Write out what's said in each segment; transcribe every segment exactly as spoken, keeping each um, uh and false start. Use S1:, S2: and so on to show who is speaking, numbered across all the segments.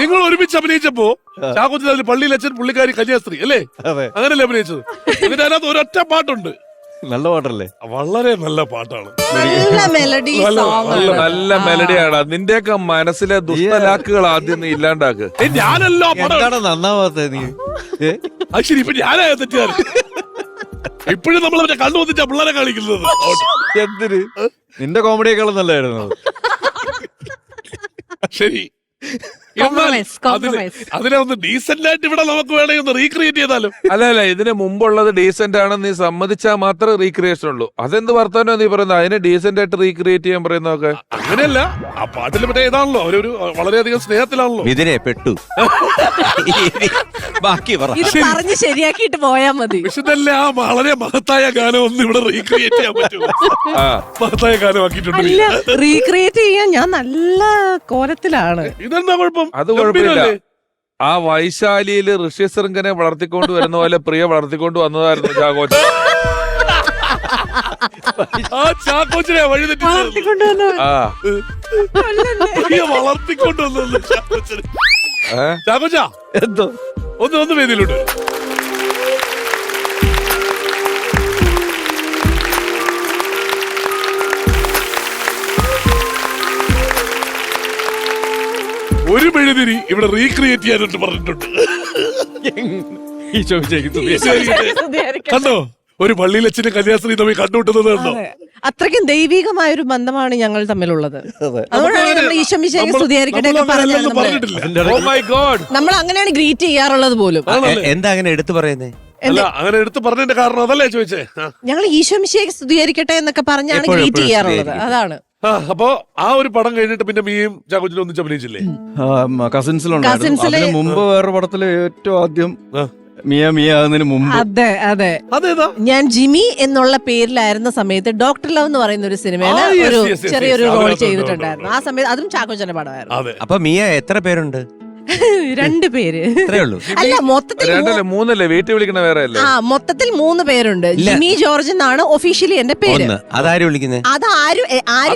S1: നിങ്ങൾ ഒരുമിച്ച് അഭിനയിച്ചപ്പോ ചാക്കോച്ചൻ അതിൽ പള്ളിയിൽ അച്ഛൻ പുള്ളിക്കാരി കന്യാസ്ത്രീ അല്ലേ? അങ്ങനല്ലേ അഭിനയിച്ചത്? എന്നിട്ട് അതിനകത്ത് ഒരൊറ്റ പാട്ടുണ്ട്.
S2: നല്ല പാട്ടല്ലേ?
S1: വളരെ നല്ല പാട്ടാണ്.
S3: നല്ല മെലഡി
S4: നല്ല മെലഡിയാണ്. നിന്റെയൊക്കെ മനസ്സിലെ ദുഷ്ടലാക്കുകൾ ആദ്യം നീ ഇല്ലാണ്ടാക്ക്.
S1: ഞാനല്ലോ
S2: എന്താണ് നന്നാവാത്ത നീ?
S1: ശരി, ഇപ്പൊ ഞാനായ തെറ്റുകാരൻ. ഇപ്പോഴും നമ്മൾ മറ്റേ കണ്ണു വന്നിട്ടാ പിള്ളേരെ കാണിക്കുന്നത്.
S2: എന്തിന്? നിന്റെ കോമഡിയേക്കാളും നല്ലതായിരുന്നു.
S1: ശരി, അതിനെ ഒന്ന് ഡീസന്റ് ആയിട്ട് ഇവിടെ നമുക്ക് വേണമെങ്കിൽ ഒന്ന് റീക്രിയേറ്റ് ചെയ്താലും.
S4: അല്ല അല്ല ഇതിന് മുമ്പുള്ളത് ഡീസന്റ് ആണെന്ന് നീ സമ്മതിച്ചാൽ മാത്രമേ റീക്രിയേഷൻ ഉള്ളൂ. അതെന്ത് വർത്തമാനോ നീ പറയുന്നത്? അതിനെ ഡീസന്റ് ആയിട്ട് റീക്രിയേറ്റ് ചെയ്യാൻ പറയുന്നതൊക്കെ
S1: അങ്ങനെയല്ല. ആ പാട്ടിൽ മറ്റേ ഇതാണല്ലോ, അവരൊരു വളരെയധികം സ്നേഹത്തിലാണല്ലോ.
S2: ഇതിനെ പെട്ടു. ബാക്കി
S3: പറഞ്ഞ് ശരിയാക്കിയിട്ട് പോയാ മതി.
S1: വിശുദ്ധല്ല, ആ വളരെ മഹത്തായ ഗാനം ഒന്ന് ഇവിടെ റീക്രിയേറ്റ് ചെയ്യാൻ പറ്റുമോ? മഹത്തായ ഗാനമാക്കിയിട്ടുണ്ട്.
S3: റീക്രിയേറ്റ് ചെയ്യാൻ ഞാൻ നല്ല കോലത്തിലാണ്.
S1: ഇതെന്താ കുഴപ്പം?
S4: അത് കുഴപ്പമില്ല. ആ വൈശാലിയില് ഋഷ്യശൃംഖനെ വളർത്തിക്കൊണ്ട് വരുന്ന പോലെ പ്രിയ വളർത്തിക്കൊണ്ട് വന്നതായിരുന്നു ചാക്കോച്ചൻ.
S1: ആ ചാക്കോച്ചനെ വഴി തെറ്റി വളർത്തിക്കൊണ്ടുവന്നു ചാക്കോച്ചനെ. ചാക്കോച്ച
S2: എന്തോ
S1: ഒന്ന് ഒന്ന് വേദിയിലുണ്ട്. ഒരു മെഴുതിരി ഇവിടെ റീക്രിയേറ്റ് ചെയ്യാനായിട്ട് പറഞ്ഞിട്ടുണ്ട്. കണ്ടോ, ഒരു പള്ളിയിൽ അച്ഛന്റെ കന്യാസ്ത്രീ തമ്മിൽ കണ്ടുമുട്ടുന്നത് കണ്ടോ?
S3: അത്രയ്ക്കും ദൈവികമായ ഒരു ബന്ധമാണ് ഞങ്ങൾ തമ്മിലുള്ളത്. അതുകൊണ്ടാണ് നമ്മൾ ഈശോമിശിഹായെ സ്തുതിയായിരിക്കട്ടെ നമ്മൾ അങ്ങനെയാണ് ഗ്രീറ്റ് ചെയ്യാറുള്ളത് പോലും.
S2: എന്താ അങ്ങനെ എടുത്തു പറയുന്നേ?
S1: അല്ല, അങ്ങനെ എടുത്ത് പറഞ്ഞതിന്റെ കാരണം അതല്ലേ ചോദിച്ചേ?
S3: ഞങ്ങൾ ഈശോമിശിഹായെ സ്തുതിയായിരിക്കട്ടെ എന്നൊക്കെ പറഞ്ഞാണ് ഗ്രീറ്റ് ചെയ്യാറുള്ളത്. അതാണ്.
S1: അപ്പൊ ആ ഒരു പടം കഴിഞ്ഞിട്ട് പിന്നെ മീയും ചാക്കോച്ചനും ഒന്നിച്ച് അഭിനയിച്ചില്ലേ?
S2: കസിൻസിലുണ്ടായിരുന്നു. അതിന് മുമ്പ് വേറെ പടത്തില് ഏറ്റവും ആദ്യം മിയ മിയ ആകുന്നതിന് മുമ്പ്.
S3: അതെ അതെ
S1: അതേതാ?
S3: ഞാൻ ജിമി എന്നുള്ള പേരിലായിരുന്ന സമയത്ത് ഡോക്ടർ ലവ് എന്ന് പറയുന്ന ഒരു സിനിമയിൽ ഒരു ചെറിയൊരു റോൾ ചെയ്തിട്ടുണ്ടായിരുന്നു. ആ സമയത്ത് അതും ചാക്കോച്ചന്റെ പടമായിരുന്നു.
S2: അപ്പൊ മിയ എത്ര പേരുണ്ട്?
S3: രണ്ട് പേര്. അല്ല, മൊത്തത്തിൽ
S4: മൂന്നല്ലേ? വീട്ടിൽ വിളിക്കണ വേറെ അല്ലേ?
S3: ആ, മൊത്തത്തിൽ മൂന്ന് പേരുണ്ട്. ജിമി ജോർജ് എന്നാണ് ഒഫീഷ്യലി എന്റെ പേര്.
S2: അതാരും വിളിക്കുന്നത്?
S3: അതാരും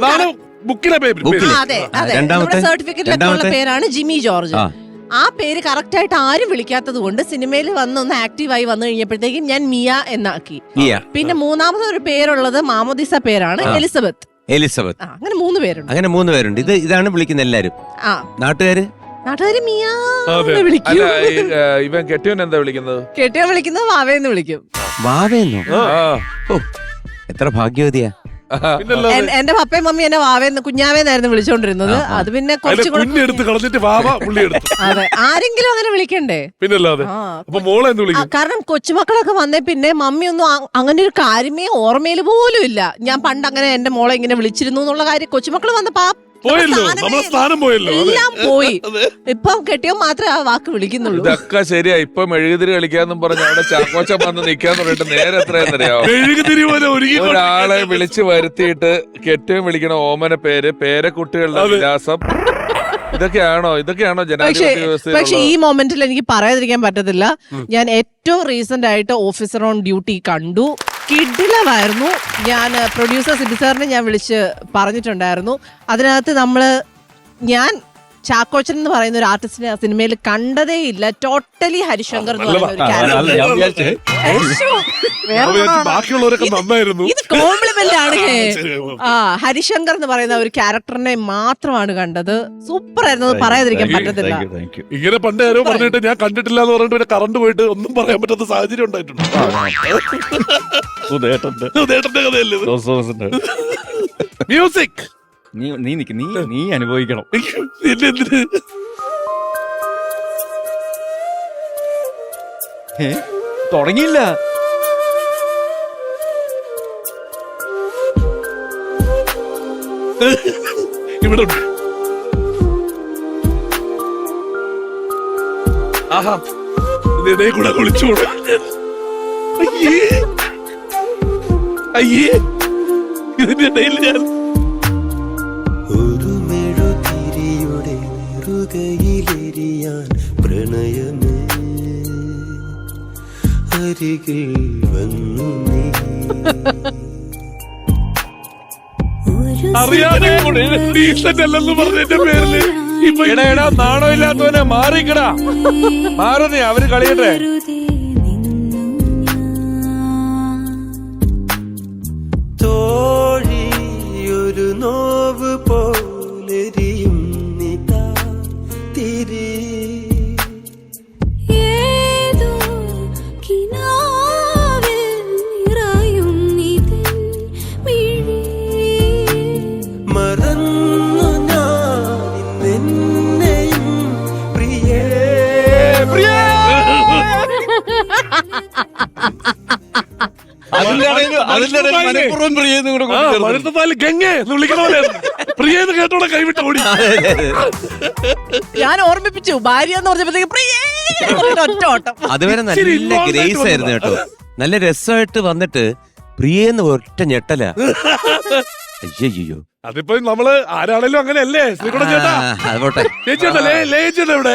S3: അതെ അതെ നമ്മുടെ സർട്ടിഫിക്കറ്റിലുള്ള പേരാണ് ജിമി ജോർജ്. ആ പേര് കറക്റ്റ് ആയിട്ട് ആരും വിളിക്കാത്തത് കൊണ്ട് സിനിമയിൽ വന്ന് ഒന്ന് ആക്റ്റീവായി വന്നു കഴിഞ്ഞപ്പോഴത്തേക്കും ഞാൻ മിയ എന്നാക്കി. പിന്നെ മൂന്നാമത് ഒരു പേരുള്ളത് മാമോദിസ പേരാണ്, എലിസബത്ത്.
S2: എലിസബത്ത്.
S3: അങ്ങനെ മൂന്ന് പേരുണ്ട്.
S2: അങ്ങനെ മൂന്ന് പേരുണ്ട്. ഇത് ഇതാണ് വിളിക്കുന്നത് എല്ലാരും.
S3: ആ,
S2: നാട്ടുകാര്
S3: നാട്ടുകാര് മിയ വിളിക്കും.
S4: ഇവൻ കെട്ടിയോൻ എന്താ വിളിക്കുന്നത്?
S3: കെട്ടിയോൻ വിളിക്കുന്നത് വാവേന്ന് വിളിക്കും.
S2: വാവേന്നോ? എത്ര ഭാഗ്യവതിയാ.
S3: എന്റെ പപ്പയും മമ്മി എന്നെ വാവേന്ന് കുഞ്ഞാവേന്നായിരുന്നു വിളിച്ചോണ്ടിരുന്നത്. അത് പിന്നെ കുറച്ച് അതെ, ആരെങ്കിലും അങ്ങനെ വിളിക്കണ്ടേ? കാരണം കൊച്ചുമക്കളൊക്കെ വന്നേ പിന്നെ മമ്മി ഒന്നും അങ്ങനെ ഒരു കാര്യമേ ഓർമ്മയിൽ പോലും ഇല്ല. ഞാൻ പണ്ട് അങ്ങനെ എന്റെ മോളെ ഇങ്ങനെ വിളിച്ചിരുന്നു എന്നുള്ള കാര്യം കൊച്ചുമക്കൾ വന്നപ്പോ എല്ലാം പോയി. ഇപ്പം കെട്ടിയോ മാത്രമേ ആ വാക്ക് വിളിക്കുന്നുള്ളൂ.
S4: ഇതൊക്കെ ശരിയാ. ഇപ്പൊ മെഴുകുതിരി കളിക്കാന്നും പറഞ്ഞ അവിടെ ചാക്കോച്ചൻ വന്ന് നിക്കാന്ന് പറഞ്ഞിട്ട് നേരെ എത്രയെന്നറിയാവോ? ഒരാളെ വിളിച്ചു വരുത്തിയിട്ട് കെട്ടിയും വിളിക്കണ ഓമന പേര്, പേരക്കുട്ടികളുടെ വിലാസം, ഇതൊക്കെയാണോ ഇതൊക്കെയാണോ ജനാധിപത്യ വ്യവസ്ഥ?
S3: പക്ഷെ ഈ മൊമെന്റിൽ എനിക്ക് പറയാതിരിക്കാൻ പറ്റത്തില്ല. ഞാൻ ഏറ്റവും റീസെന്റ് ആയിട്ട് ഓഫീസർ ഓൺ ഡ്യൂട്ടി കണ്ടു. കിഡിലമായിരുന്നു. ഞാൻ പ്രൊഡ്യൂസർ സിബി സാറിനെ ഞാൻ വിളിച്ച് പറഞ്ഞിട്ടുണ്ടായിരുന്നു. അതിനകത്ത് നമ്മള് ഞാൻ ചാക്കോച്ചൻ എന്ന് പറയുന്ന ഒരു ആർട്ടിസ്റ്റിനെ സിനിമയിൽ കണ്ടതേ ഇല്ല. ടോട്ടലി ഹരിശങ്കർ എന്ന് പറയുന്ന ഒരു ക്യാരക്ടർ. ഇത് കോംപ്ലിമെന്റ് ആണ്. ആ, ഹരിശങ്കർ എന്ന് പറയുന്ന ഒരു ക്യാരക്ടറിനെ മാത്രമാണ് കണ്ടത്. സൂപ്പർ ആയിരുന്നു. അത് പറയാതിരിക്കാൻ പറ്റത്തില്ല.
S1: ഇങ്ങനെ പണ്ട് ആരോ പറഞ്ഞിട്ട് ഞാൻ കണ്ടിട്ടില്ല എന്ന് പറഞ്ഞിട്ട് കറണ്ട് പോയിട്ട് ഒന്നും പറയാൻ പറ്റാത്ത സാഹചര്യം ഉണ്ടായിട്ടുണ്ട്. മ്യൂസിക്
S2: നീ നീ നിക്ക് നീ നീ അനുഭവിക്കണം. തുടങ്ങിയില്ല.
S1: ഇവിടെ ആഹാ, ഇതിനെ കൂടെ വിളിച്ചോളൂ. അയ്യേ അയ്യേ, ഇതിന്റെ ഇടയിൽ ഞാൻ
S5: ഒരു മെഴുതിരിയുടെ നെറുകയിലെരിയാൻ പ്രണയമേ അരികിൽ വന്നു നീ. ഒരു
S1: അറിയാതെ ഡീസന്റ് അല്ലെന്ന് പറഞ്ഞതിന്റെ പേരില് ഇപ്പൊ
S4: എടാ എടാ നാണോ ഇല്ലാത്തവനെ മാറിക്കടാ മാറുന്നേ അവര് കളിയട്ടെ.
S5: തോഴി ഒരു നോവ് പോലെരിയും നിതാ തിരി
S6: ഏതോ കിനാവിൽ നിറയും നിതിൻ മിഴി
S5: മറന്നു ഞാൻ നിന്നെയും പ്രിയേ
S2: അതിന്റെ ഇടയിൽ അതിന്റെ ഇടയിൽ മനഃപൂർവ്വം പ്രിയെന്ന് കൂടെ
S1: ആ മരുന്നത്താല് ഗംഗേ എന്ന് വിളിക്കണ പോലെ പ്രിയെന്ന് കേട്ടോടെ കൈവിട്ട ഓടി.
S3: ഞാൻ ഓർമ്മിപ്പിച്ചു ഭാര്യ എന്ന് പറഞ്ഞപ്പോഴത്തേക്ക് പ്രിയേ എന്ന് പറഞ്ഞിട്ട് ഒറ്റ ഓട്ടം.
S7: അതുവരെ
S1: ഇച്ചിരി
S7: നല്ല
S1: involved
S7: ഗ്രേസ്
S1: ആയിട്ട്
S7: ആയിരുന്നു കേട്ടോ. നല്ല രസമായിട്ട് വന്നിട്ട് പ്രിയെന്ന് ഒറ്റ ഞെട്ടല. അയ്യോ
S1: അതിപ്പോ നമ്മള് ആരാണേലും അങ്ങനെയല്ലേ ശ്രീകുട ചേട്ടാ.
S7: അത് പോട്ടെ,
S1: ചേച്ചിയുണ്ടോ ലേ ലേ ചേട്ടാ ഇവിടെ.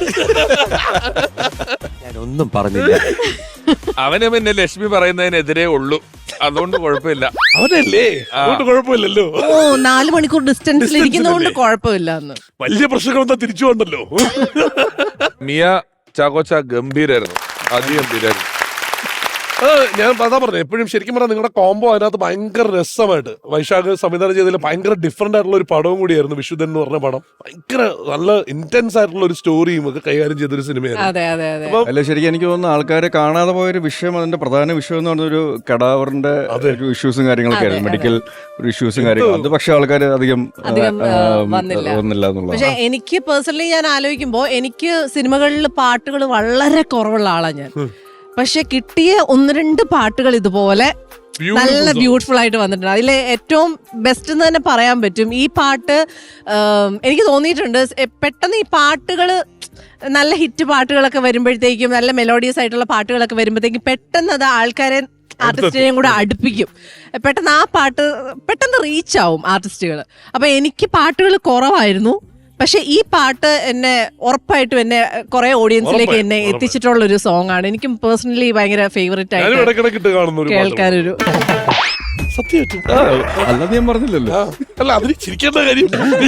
S7: ഞാനൊന്നും പറഞ്ഞില്ല.
S4: അവന് പിന്നെ ലക്ഷ്മി പറയുന്നതിനെതിരെ ഉള്ളൂ, അതുകൊണ്ട് കുഴപ്പമില്ല.
S1: അവനല്ലേ അതുകൊണ്ട് കുഴപ്പമില്ലല്ലോ.
S3: ഓ നാല് മണിക്കൂർ ഡിസ്റ്റൻസിൽ ഇരിക്കുന്നതുകൊണ്ട് കുഴപ്പമില്ല എന്ന്.
S1: വലിയ പ്രശ്നങ്ങളൊന്നും തിരിച്ചു വന്നല്ലോ.
S4: മിയ ചാക്കോച്ച ഗംഭീരായിരുന്നു, അതിഗംഭീരായിരുന്നു.
S1: ഞാൻ അതാ പറഞ്ഞു എപ്പോഴും ശരിക്കും പറഞ്ഞാൽ നിങ്ങളുടെ കോംബോ അതിനകത്ത് ഭയങ്കര രസമായിട്ട് വൈശാഖ് സംവിധാനം ചെയ്തതിൽ ഭയങ്കര ഡിഫറെന്റ് ആയിട്ടുള്ള ഒരു പടവും കൂടിയായിരുന്നു വിശുദ്ധൻ എന്ന് പറഞ്ഞ പടം. ഭയങ്കര നല്ല ഇന്റൻസ് ആയിട്ടുള്ള ഒരു സ്റ്റോറിയും ഒക്കെ കൈകാര്യം ചെയ്തൊരു സിനിമയായിരുന്നു.
S3: അതെ അതെ അതെ.
S2: അല്ല ശരിക്കും എനിക്ക് തോന്നുന്നു ആൾക്കാരെ കാണാതെ പോയൊരു വിഷയം, അതിന്റെ പ്രധാന വിഷയം എന്ന് പറഞ്ഞൊരു കടാവറിന്റെ ഒരു ഇഷ്യൂസും കാര്യങ്ങളൊക്കെ ആയിരുന്നു, മെഡിക്കൽ ഒരു ഇഷ്യൂസും കാര്യങ്ങളും. അത് പക്ഷെ ആൾക്കാർ അധികം
S3: അധികം,
S2: ആ,
S3: ആ, വന്നില്ല.
S2: വന്നില്ല എന്നുള്ളത്.
S3: പക്ഷെ എനിക്ക് പേഴ്സണലി ഞാൻ ആലോചിക്കുമ്പോ എനിക്ക് സിനിമകളിൽ പാട്ടുകൾ വളരെ കുറവുള്ള ആളാണ് ഞാൻ. പക്ഷെ കിട്ടിയ ഒന്ന് രണ്ട് പാട്ടുകൾ ഇതുപോലെ നല്ല ബ്യൂട്ടിഫുൾ ആയിട്ട് വന്നിട്ടുണ്ട്. അതിലെ ഏറ്റവും ബെസ്റ്റ് എന്ന് തന്നെ പറയാൻ പറ്റും ഈ പാട്ട്. എനിക്ക് തോന്നിയിട്ടുണ്ട് പെട്ടെന്ന് ഈ പാട്ടുകൾ നല്ല ഹിറ്റ് പാട്ടുകളൊക്കെ വരുമ്പോഴത്തേക്കും, നല്ല മെലോഡിയസ് ആയിട്ടുള്ള പാട്ടുകളൊക്കെ വരുമ്പോഴത്തേക്കും പെട്ടെന്ന് അത് ആൾക്കാരെ ആർട്ടിസ്റ്റിനെയും കൂടെ അടുപ്പിക്കും. പെട്ടെന്ന് ആ പാട്ട് പെട്ടെന്ന് റീച്ച് ആവും ആർട്ടിസ്റ്റുകൾ. അപ്പൊ എനിക്ക് പാട്ടുകൾ കുറവായിരുന്നു, പക്ഷെ ഈ പാട്ട് എന്നെ ഉറപ്പായിട്ടും എന്നെ കുറെ ഓഡിയൻസിലേക്ക് എന്നെ എത്തിച്ചിട്ടുള്ള ഒരു സോങ് ആണ്. എനിക്ക് പേഴ്സണലി ഭയങ്കര ഫേവറേറ്റ് ആയിട്ട് കേൾക്കാനൊരു
S1: സത്യം.
S2: അല്ലാതെ ഞാൻ പറഞ്ഞില്ലല്ലോ.
S1: അല്ല അതിന് ചിരിക്കേണ്ട കാര്യം.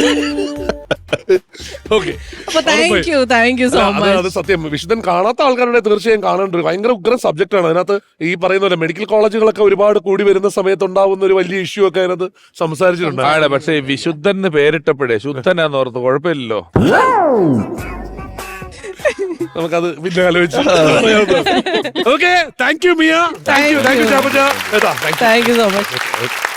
S1: ഓക്കെ
S3: അപ്പൊ thank you thank you so
S1: അത്
S3: മച്ച്.
S1: സത്യം വിശുദ്ധൻ കാണാത്ത ആൾക്കാരുടെ തീർച്ചയായും കാണേണ്ട ഒരു ഭയങ്കര ഉഗ്രം സബ്ജക്ട് ആണ്. അതിനകത്ത് ഈ പറയുന്ന പോലെ മെഡിക്കൽ കോളേജുകളൊക്കെ ഒരുപാട് കൂടി വരുന്ന സമയത്ത് ഉണ്ടാവുന്ന ഒരു വലിയ ഇഷ്യൂ ഒക്കെ അതിനകത്ത് സംസാരിച്ചിട്ടുണ്ട്.
S4: ആണ്, പക്ഷെ വിശുദ്ധൻ എന്ന് പേരിട്ടപ്പോഴേ ശുദ്ധനാന്ന് ഓർത്ത് കുഴപ്പമില്ലല്ലോ.
S1: നമുക്കത് പിന്നെ ആലോചിച്ചു. ഓക്കെ താങ്ക് യു മിയ, താങ്ക് യു താങ്ക് യു ചാപ്പച്ച.
S3: Thank you so much.